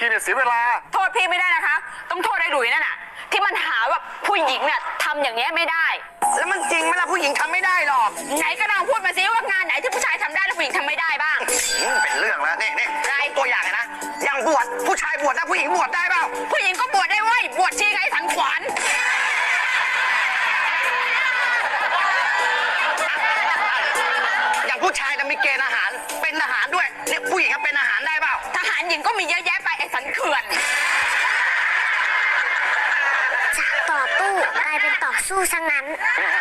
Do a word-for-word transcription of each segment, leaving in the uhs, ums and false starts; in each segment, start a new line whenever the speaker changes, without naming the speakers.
ทีเนี่ยเสียเวลา
โทษพี่ไม่ได้นะคะต้องโทษไอ้หลุยนั่นน่ะที่มันหาว่าผู้หญิงเนี่ยทำอย่างเงี้ยไม่ได้
แล้วมันจริงไหมล่ะผู้หญิงทำไม่ได้หรอก
ไหนก็ลองพูดมาซิว่างานไหนที่ผู้ชายทำได้แล้วผู้หญิงทำไม่ได้บ้าง
เป็นเรื่องแล้วนี่นี่ตัวอย่างนะอย่างบวชผู้ชายบวชนะผู้หญิงบวชได้เปล่า
ผู้หญิงก็บวชได้เว้ยบวชชีไงสังขวัญ
อย่างผู้ชายจะมีเกณฑ์อาหารเป็นทหารด้วยเนี่ยผู้หญิงก็เป็นอาหารได้เปล่า
ทหารหญิงก็มีเยอะแยะไปไอ้สันเขื่อน
จากต่อตู้กลายเป็นต่อสู้ซะงั้น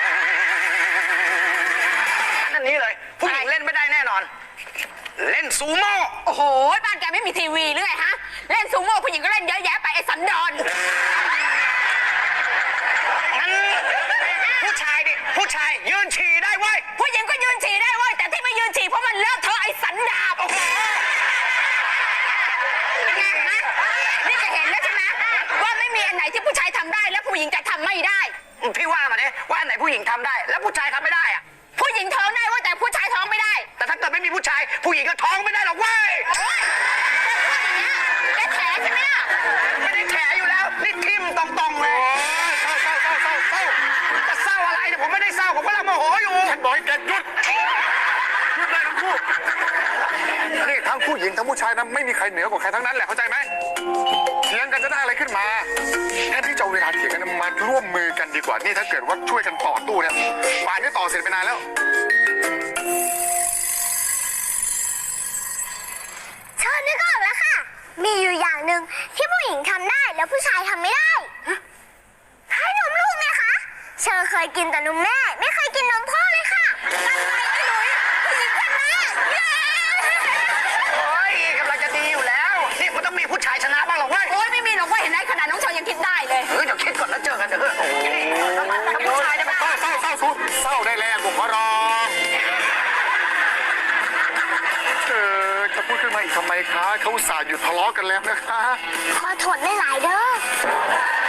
อันนี้เลยผู้หญิงเล่นไม่ได้แน่นอนเล่นซูโม่
โอ้โหบ้านแกไม่มีทีวีหรือไงฮะเล่นซูโม่ผู้หญิงก็เล่นเยอะแยะไปไอ้สันดอน
งั้นผู้ชายดิผู้ชายยืนฉี่ได้เว้ย
ผู้หญิงก็ยืนฉี่ได้เว้ยแต่ที่ไม่ยืนฉี่เพราะมันเลอะเทอะไอ้สันดาบโอ้โหไงฮะนี่จะเห็นแล้วใช่ไหมว่าไม่มีอันไหนที่ผู้ชายทำได้และผู้หญิงจะทำไม่ได้
พี่ว่ามาดิว่าอันไหนผู้หญิงทำได้แล้วผู้ชายทำไม่ได้อะ
ผู้หญิงท้องได้ว่าแต่ผู้ชายท้องไม่ได้
แต่ถ้าเกิดไม่มีผู้ชายผู้หญิงก็ท้องไม่ได้หรอกเว้ย
แกแฉใช่ไหมล่ะ
ไม่ได้แฉอยู่แล้วนี่ทิ่มตรงๆเลย
เศร้าเศร้าเศร้าเศร้าเศร้า
จะเศร้าอะไรเนี่ยผมไม่ได้เศร้าผมกำลังโมโหอยู่
ฉันบอกให้แกหยุดหยุดเลยทั้งคู่นี่ทั้งผู้หญิงทั้งผู้ชายนะไม่มีใครเหนือกว่าใครทั้งนั้นแหละเข้าใจไหมเถียงกันจะได้อะไรขึ้นมาแทนที่จะเวลาเถียงกันมาร่วมมือกันดีกว่านี่ถ้าเกิดว่าช่วยกันต่อตู้เนี่ยป่านนี้ต่อเสร็จไปนานแล้ว
เชิญนึกออกแล้วค่ะมีอยู่อย่างหนึ่งที่ผู้หญิงทำได้แล้วผู้ชายทำไม่ได้ให้นมลูกไงคะเชอเคยกินแต่นมแม่ไม่เคยกินนมพ่อเลยค่ะอะไรไอ้หลุยผู้หญิงชนะ
โอ้ยกำลังจะดีอยู่แล้วนี่มันต้องมีผู้ชายชนะบ้างหรอกเว้ย
โอ้ยไม่มีหรอกว่าเห็นไหมขนาดน้องชายยังคิดได้เลย
เออเดี๋ยวคิดก่อนแล้วเจอกันเถอะโอ้ย
ผู้ชายจะมาเศร้าเศร้าเศร้าสุดเศร้าได้แล้วผมขอร้องเออจะพูดขึ้นมาอีกทำไมคะเขาอุตส่าห์หยุดทะเลาะกันแล้วนะคะ
ขอโทษไม่หลายเด้อ